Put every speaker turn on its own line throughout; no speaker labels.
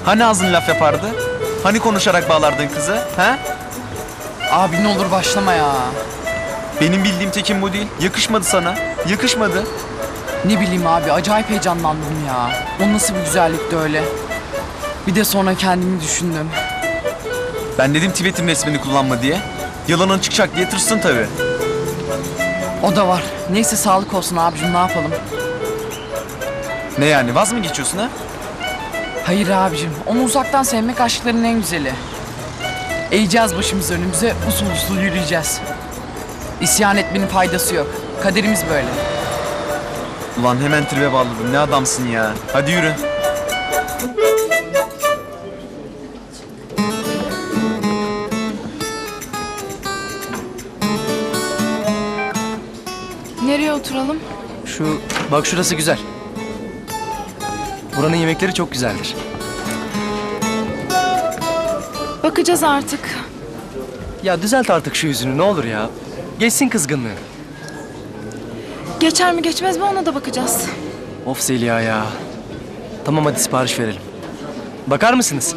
Hani ağzın laf yapardı? Hani konuşarak bağlardın kızı? He?
Abi ne olur başlama ya.
Benim bildiğim Tekin bu değil. Yakışmadı sana. Yakışmadı.
Ne bileyim abi acayip heyecanlandım ya. O nasıl bir güzellikti öyle. Bir de sonra kendimi düşündüm.
Ben dedim Tibet'in resmini kullanma diye. Yalanın çıkacak diye tırsın tabii.
O da var. Neyse sağlık olsun abicim, ne yapalım.
Ne yani, vaz mı geçiyorsun ha?
Hayır abicim, onu uzaktan sevmek aşkların en güzeli. Eğeceğiz başımızı önümüze, usul usul yürüyeceğiz. İsyan etmenin faydası yok. Kaderimiz böyle.
Ulan hemen tribe bağladın. Ne adamsın ya. Hadi yürü.
Nereye oturalım?
Bak şurası güzel. Buranın yemekleri çok güzeldir.
Bakacağız artık.
Ya düzelt artık şu yüzünü ne olur ya. Geçsin kızgınlığı.
Geçer mi geçmez mi ona da bakacağız.
Of Zeliha ya. Tamam hadi sipariş verelim. Bakar mısınız?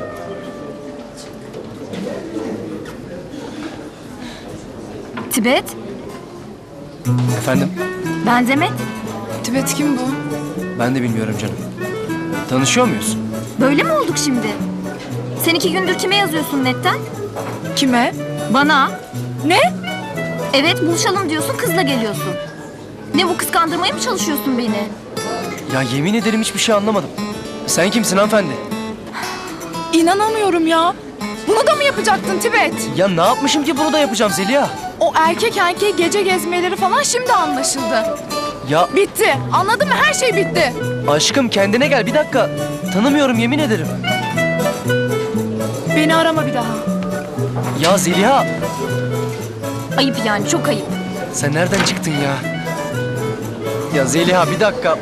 Tibet,
Efendim?
ben Demet.
Tibet kim bu?
Ben de bilmiyorum canım. Tanışıyor muyuz?
Böyle mi olduk şimdi? Sen 2 gündür kime yazıyorsun netten?
Kime?
Bana.
Ne?
Evet, buluşalım diyorsun, kızla geliyorsun. Ne bu, kıskandırmaya mı çalışıyorsun beni?
Ya yemin ederim hiçbir şey anlamadım. Sen kimsin hanımefendi?
İnanamıyorum ya. Bunu da mı yapacaktın Tibet?
Ya ne yapmışım ki bunu da yapacağım Zeliha?
O erkek erkeğe gece gezmeleri falan şimdi anlaşıldı.
Ya
Bitti. Anladın mı? Her şey bitti.
aşkım kendine gel bir dakika. Tanımıyorum yemin ederim.
Beni arama bir daha.
Ya Zeliha
Ayıp yani, çok ayıp.
sen nereden çıktın ya? Ya Zeliha bir dakika.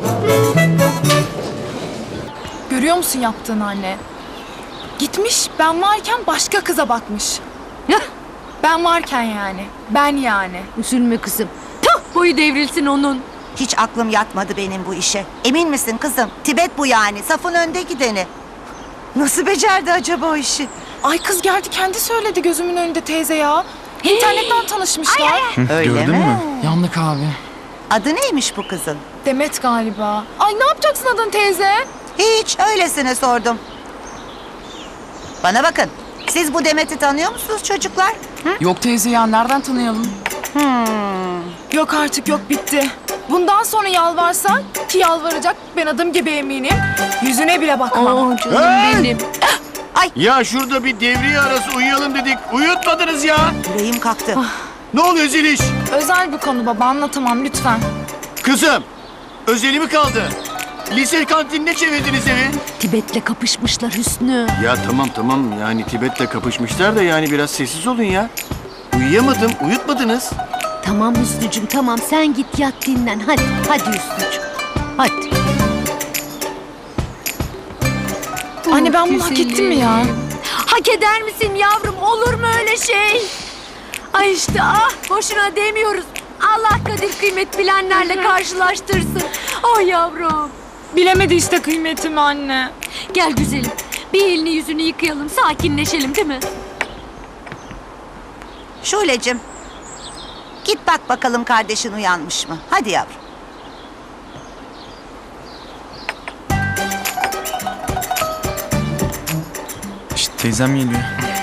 Görüyor musun yaptığını anne? Gitmiş ben varken başka kıza bakmış. Ben varken yani. Ben yani.
Üzülme kızım. Tah, boyu devrilsin onun.
Hiç aklım yatmadı benim bu işe. Emin misin kızım? Tibet bu yani. Safın önde gideni. Nasıl becerdi acaba o işi?
Ay kız geldi kendi söyledi gözümün önünde teyze ya. İnternetten tanışmışlar.
Öyle
Gördün
mi?
mü?
Yandık abi.
Adı neymiş bu kızın?
Demet galiba. Ay ne yapacaksın adın teyze?
Hiç öylesine sordum. Bana bakın. Siz bu Demet'i tanıyor musunuz çocuklar?
Yok teyze ya, nereden tanıyalım?
Yok artık yok bitti. Bundan sonra yalvarsan ki yalvaracak ben adım gibi eminim. Yüzüne bile bakmam.
Aa, canım benim.
Ya şurada bir devriye arası uyuyalım dedik. Uyutmadınız ya.
Yüreğim kalktı.
Ne oluyor Zeliş?
Özel bir konu baba anlatamam lütfen.
Kızım, özeli mi kaldı? Lise kantinine çevirdiniz evi.
Tibet'le kapışmışlar Hüsnü.
Ya tamam yani Tibet'le kapışmışlar da yani biraz sessiz olun ya. Uyuyamadım, uyutmadınız.
Tamam Hüsnücüm tamam sen git yat dinlen. Hadi Hüsnücüm. Hadi.
Anne ben bunu hak ettim mi ya?
Hak eder misin yavrum? Olur mu öyle şey? Ay işte boşuna demiyoruz. Allah kadir kıymet bilenlerle karşılaştırsın. Oh yavrum.
Bilemedi işte kıymetimi anne.
Gel güzelim. Bir elini yüzünü yıkayalım, sakinleşelim değil mi?
Şule'cim. Git bak bakalım kardeşin uyanmış mı? Hadi yavrum.
İşte teyzem geliyor.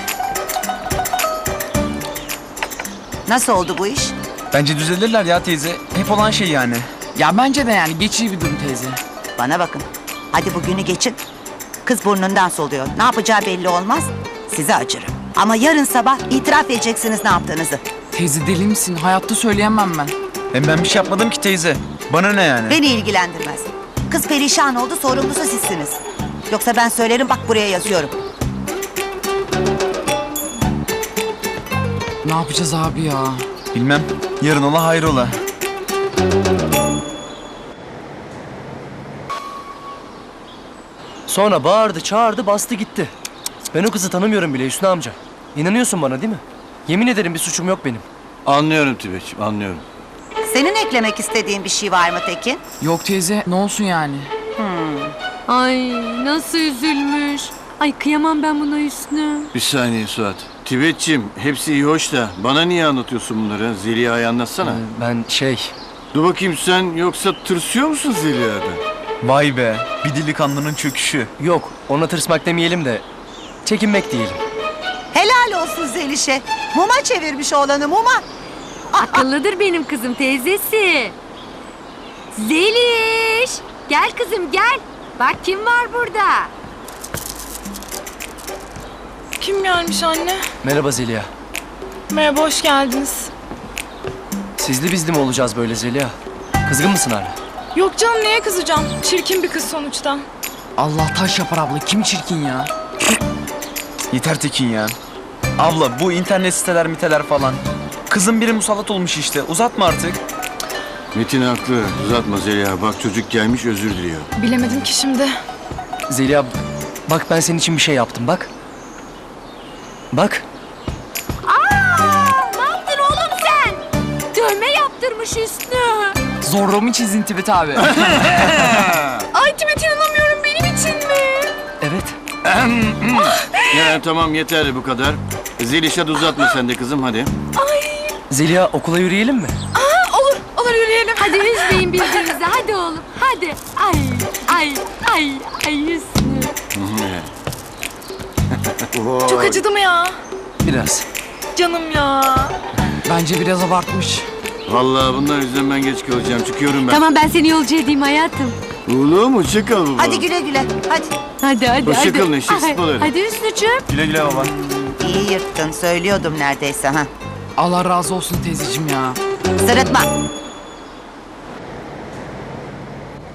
Nasıl oldu bu iş?
Bence düzelirler ya teyze. Hep olan şey yani.
Ya bence de yani geçici bir durum teyze.
Bana bakın. Hadi bugünü geçin. Kız burnundan soluyor. Ne yapacağı belli olmaz. Size acırım. Ama yarın sabah itiraf edeceksiniz ne yaptığınızı.
Teyze deli misin? Hayatta söyleyemem ben.
Hem ben bir şey yapmadım ki teyze. Bana ne yani?
Beni ilgilendirmez. Kız perişan oldu, sorumlusu sizsiniz. Yoksa ben söylerim, bak buraya yazıyorum.
Ne yapacağız abi ya?
Bilmem. Yarın ola hayrola.
Sonra bağırdı çağırdı bastı gitti. Ben o kızı tanımıyorum bile Hüsnü amca. İnanıyorsun bana değil mi? Yemin ederim bir suçum yok benim.
Anlıyorum Tibet'ciğim, anlıyorum.
Senin eklemek istediğin bir şey var mı Tekin?
Yok teyze, ne olsun yani?
Ay nasıl üzülmüş. Ay kıyamam ben buna Hüsnü.
Bir saniye Suat. Tibetçim hepsi iyi hoş da bana niye anlatıyorsun bunları? Zeliha'ya anlatsana.
Ben
Dur bakayım sen yoksa tırsıyor musun Zeliha'dan?
Vay be, bir delikanlının çöküşü.
yok ona tırsmak demeyelim de çekinmek diyelim.
Helal olsun Zeliş'e. Muma çevirmiş oğlanı muma.
Akıllıdır benim kızım teyzesi. Zeliş. Gel kızım gel. Bak kim var burada.
Kim gelmiş anne?
Merhaba Zeliha.
Merhaba, hoş geldiniz.
Sizli bizli mi olacağız böyle Zeliha? Kızgın mısın hala?
Yok canım, neye kızacağım? Çirkin bir kız sonuçta.
Allah taş yapar abla. Kim çirkin ya?
Yeter Tekin ya. Abla bu internet siteler miteler falan. Kızın biri musallat olmuş işte. Uzatma artık.
Metin haklı. Uzatma Zeliha. Bak çocuk gelmiş özür diliyor.
Bilemedim ki şimdi.
Zeliha bak ben senin için bir şey yaptım bak. Bak.
Ne yaptın oğlum sen? Dövme yaptırmış Hüsnü.
Zorro mu çizdin Tibet abi?
Ay Tibet, inanamıyorum, benim için mi?
Evet.
Ya tamam yeter bu kadar. Zeliş hadi uzatma sen de kızım hadi.
Zeliha okula yürüyelim mi?
Olur yürüyelim.
Hadi üzmeyin birbirinizi hadi oğlum hadi. Ay Hüsnü.
Çok acıdı mı ya?
Biraz.
Canım ya.
Bence biraz abartmış.
Vallahi bunlar yüzünden ben geç kalacağım. Çıkıyorum ben.
Tamam ben seni yolcu edeyim hayatım.
Oğlum hoşça kal baba.
Hadi güle güle. Hadi.
Hadi.
Hoşça
hadi.
kalın, eşek
Ay,
sıpaları.
Hadi Hüsnü'cüğüm.
Güle güle baba.
İyi yırttın. Söylüyordum neredeyse ha.
Allah razı olsun teyzeciğim ya.
Sırıtma.